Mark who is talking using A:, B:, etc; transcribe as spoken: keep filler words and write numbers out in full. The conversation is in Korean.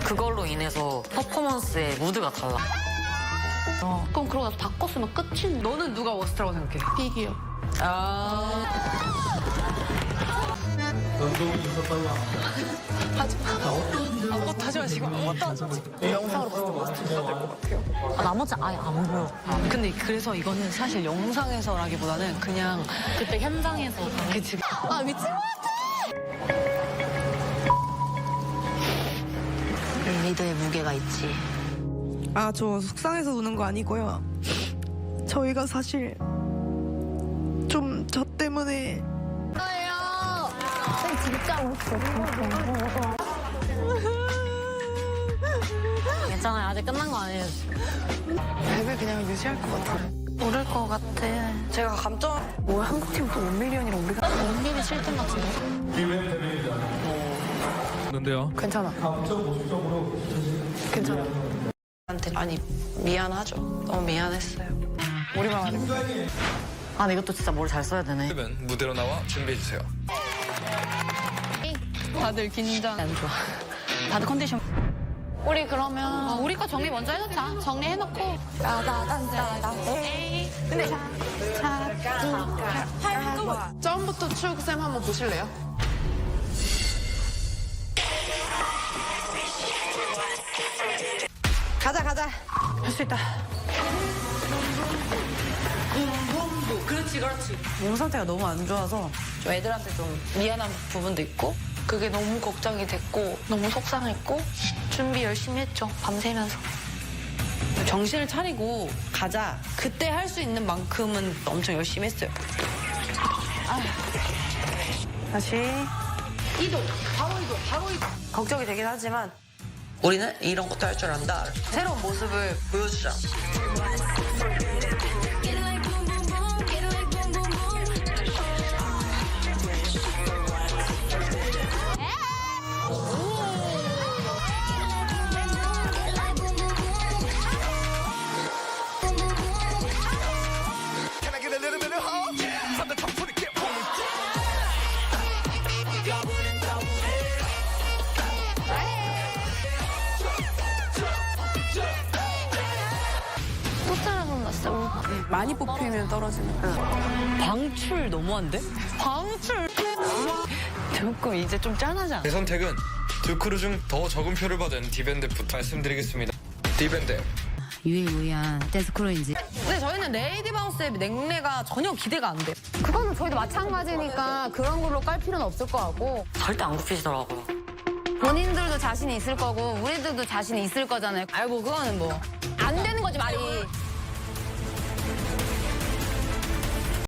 A: 그걸로 인해서 퍼포먼스의 무드가 달라.
B: 어. 그럼 그러고 나서 바꿨으면 끝인.
C: 너는 누가 워스트라고 생각해?
B: 픽이요.
C: 아.
D: 운동이 더 빨라.
C: 아무것도 하지 마시고 아무것도 하지 마시고. 영상으로 봤을 때 워스트 될것 같아요.
A: 아, 나머지 아예 안 보여.
C: 근데 그래서 이거는 사실 영상에서라기보다는 그냥
A: 그때 현장에서.
C: 그치.
B: 아 미친 것 같아.
A: 리더의 무게가 있지.
E: 아, 저 속상해서 우는 거 아니고요. 저희가 사실 좀 저 때문에
B: 저예요. 진짜 웃어.
A: 괜찮아요. 아직 끝난 거 아니에요.
C: 랩을 그냥 유지할 것 같아.
A: 모를 것 같아.
C: 제가 감정 뭐 한국 팀 또 원밀리언이랑 우리가
B: 원빈이 칠 등 같은데.
D: 는데요.
C: 괜찮아. 괜찮아. 한테 많이 미안하죠. 너무 미안했어요. 우리만 하는 거.
A: 아, 근데 이것도 진짜 뭘 잘 써야 되네.
F: 그러면 무대로 나와 준비해주세요.
C: 다들 긴장 안 좋아. 다들 컨디션.
B: 우리 그러면 어, 우리 거 정리 먼저 해놓자. 정리해놓고. 따다단다다. 에이. 근데
C: 처음부터 추억쌤 한번 보실래요? 가자 가자. 할 수 있다. 그렇지 그렇지. 몸 상태가 너무 안 좋아서 좀 애들한테 좀 미안한 부분도 있고 그게 너무 걱정이 됐고 너무 속상했고 준비 열심히 했죠. 밤새면서. 정신을 차리고 가자. 그때 할 수 있는 만큼은 엄청 열심히 했어요. 아휴. 다시 이동. 바로 이동. 바로 이동. 걱정이 되긴 하지만 우리는 이런 것도 할 줄 안다. 새로운 모습을 보여주자.
B: 또 짜라고 났어.
C: 많이 뽑히면 떨어지는. 방출 너무한데? 방출. 조금 이제 좀 짠하지 않아?
F: 제 선택은 두 크루 중 더 적은 표를 받은 디밴드부터 말씀드리겠습니다. 디밴드.
G: 유일무이한 댄스 크루인지.
C: 근데 저희는 레이디 바운스의 냉래가 전혀 기대가 안 돼.
B: 그거는 저희도 마찬가지니까 그런 걸로 깔 필요는 없을 것 같고.
A: 절대 안 굽히시더라고요.
B: 본인들도 자신이 있을 거고 우리들도 자신이 있을 거잖아요.
C: 아이고 그거는 뭐.
B: 안 되는 거지 말이.